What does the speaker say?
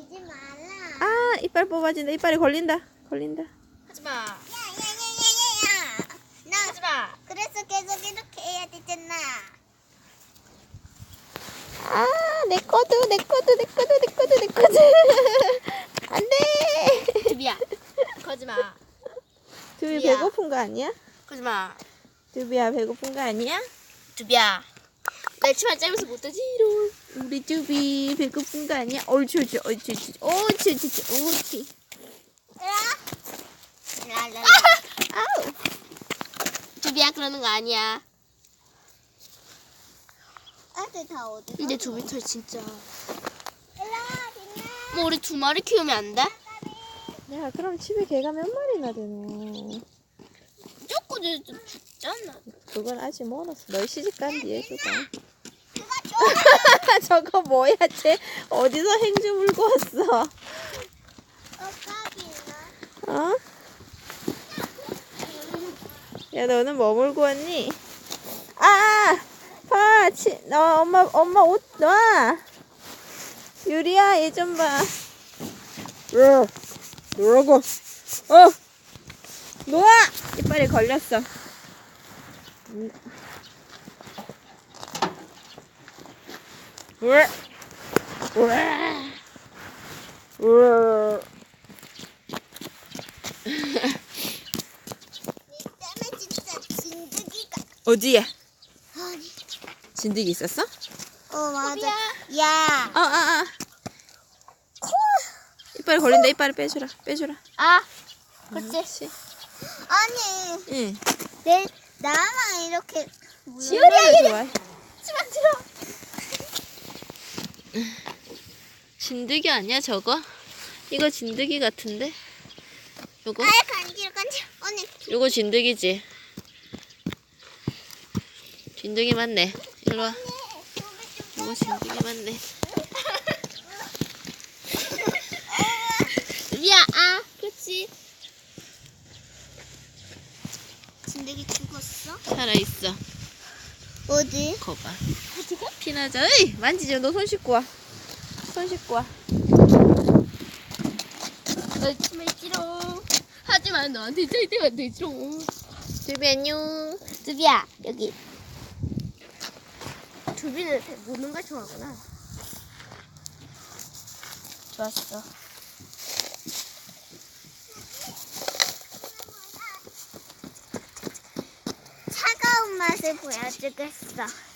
밀지 말라. 아, 이빨 뽑아진다. 이빨이 걸린다. 하지마. 야야야야야야. 나 하지마. 그래서 계속 이렇게 해야 되잖아. 아, 내 거도. 안 돼. 두비야. 거지마. 두비 두비야. 배고픈 거 아니야? 거지마. 두비야, 배고픈 거 아니야? 두비야. 나 치마 짧아서 못하지롱. 우리 두비 배고픈 거 아니야? 옳지. 랄랄라. 아우. 두비야 그러는 거 아니야. 애들 다 어디? 근데 두비 털 진짜. 일라 딩나. 뭐 우리 2마리 키우면 안 돼? 야, 그럼 집에 개가 몇 마리나 되노? 조금 좀 죽잖아. 그건 아직 멀었어. 널 시집간 뒤에 주가. 그거 줘. 저거 뭐야, 쟤? 어디서 행주 물고 왔어? 까비나. 어? 야, 너는 뭐 물고 왔니? 아! 봐! 너 엄마 옷 놔! 유리야, 얘 좀 봐. 왜? 뭐라고? 놓아! 이빨이 걸렸어. 왜? 니 때문에 진짜 진드기가. 어디에? 아니. 진드기 있었어? 맞아. 야. 이빨이 걸린다. 이빨을 빼주라. 아, 그렇지. 그렇지. 아니. 응. 나만 이렇게. 지효리야, 좋아해. 치마 들어. 진드기 아니야, 저거? 이거 진드기 같은데? 요거? 간지러. 언니. 요거 진드기지? 진드기 맞네. 일로 와. 요거 진드기 맞네. 두비야, 아, 그렇지. 진드기 죽었어? 살아있어. 어디? 거봐. 피나자. 에이! 만지지. 너 손 씻고 와. 너 치마 있지롱. 하지만 너한테 절대 안 되지롱. 두비 안녕. 두비야, 여기. 두비는 무는 걸 좋아하구나. 좋았어. 차가운 맛을 보여주겠어.